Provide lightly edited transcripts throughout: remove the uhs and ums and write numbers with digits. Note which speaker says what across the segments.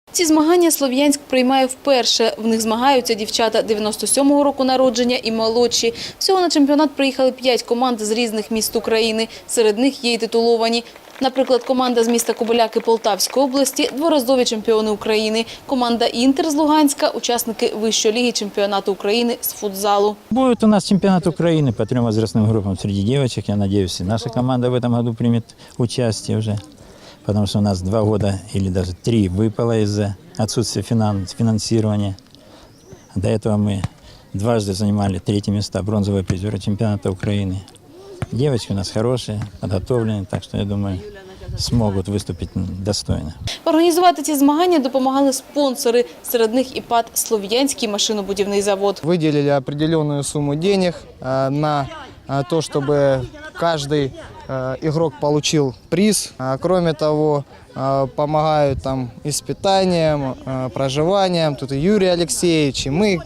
Speaker 1: Ці змагання Слов'янськ приймає вперше. В них змагаються дівчата 97-го року народження і молодші. Всього на чемпіонат приїхали 5 команд з різних міст України. Серед них є й титуловані. Наприклад, команда з міста Кобиляки Полтавської області – дворазові чемпіони України. Команда «Інтер» з Луганська – учасники Вищої ліги чемпіонату України з футзалу.
Speaker 2: Будет у нас чемпионат Украины по 3 возрастным группам среди девочек. Я надеюсь, и наша команда в этом году примет участие уже. Потому что у нас 2 года или даже 3 выпало из-за отсутствия финансирования. До этого мы дважды занимали 3 места, бронзовые призеры чемпионата Украины. Девочки у нас хорошие, подготовленные, так что, я думаю, смогут выступить достойно.
Speaker 1: Організувати ці змагання допомагали спонсори. Серед них і ПАТ «Слов'янський машинобудівний завод».
Speaker 3: Выделили определенную сумму денег на то, чтобы каждый игрок получил приз. Кроме того, помогают там и с питанием, проживанием. Тут и Юрий Алексеевич, и мы,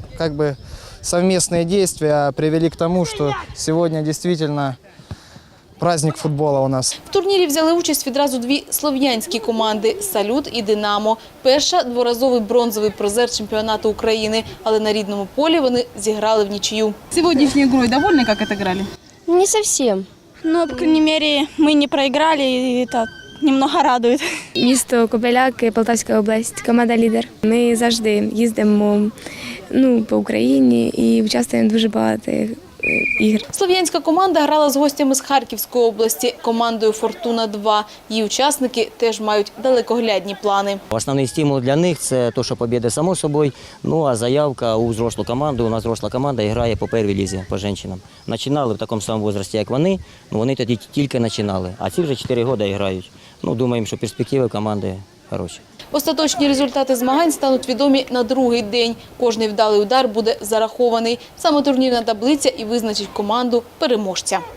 Speaker 3: совместные действия привели к тому, что сегодня действительно праздник футбола у нас.
Speaker 1: В турнірі взяли участь відразу 2 слов'янські команди – «Салют» і «Динамо». Перша – дворазовий бронзовий призер чемпіонату України, але на рідному полі вони зіграли в нічию.
Speaker 4: Сегодняшней игрой довольны, как отыграли?
Speaker 5: Не совсем.
Speaker 6: Но, по крайней мере, мы не проиграли, и это немного радует.
Speaker 5: Місто Кобиляки, Полтавська область, команда «Лідер». Ми завжди їздимо по Україні і участвуємо в дуже багато ігр.
Speaker 1: Слов'янська команда грала з гостями з Харківської області – командою «Фортуна-2». Її учасники теж мають далекоглядні плани.
Speaker 7: Основний стимул для них – це те, що побіда само собою, а заявка у взрослу команду. У нас взросла команда грає по першій лізі, по жінкам. Починали в такому самому віці, як вони тоді тільки починали, а ці вже 4 роки грають. Думаємо, що перспективи команди хороші.
Speaker 1: Остаточні результати змагань стануть відомі на другий день. Кожний вдалий удар буде зарахований. Саме турнірна таблиця і визначить команду переможця.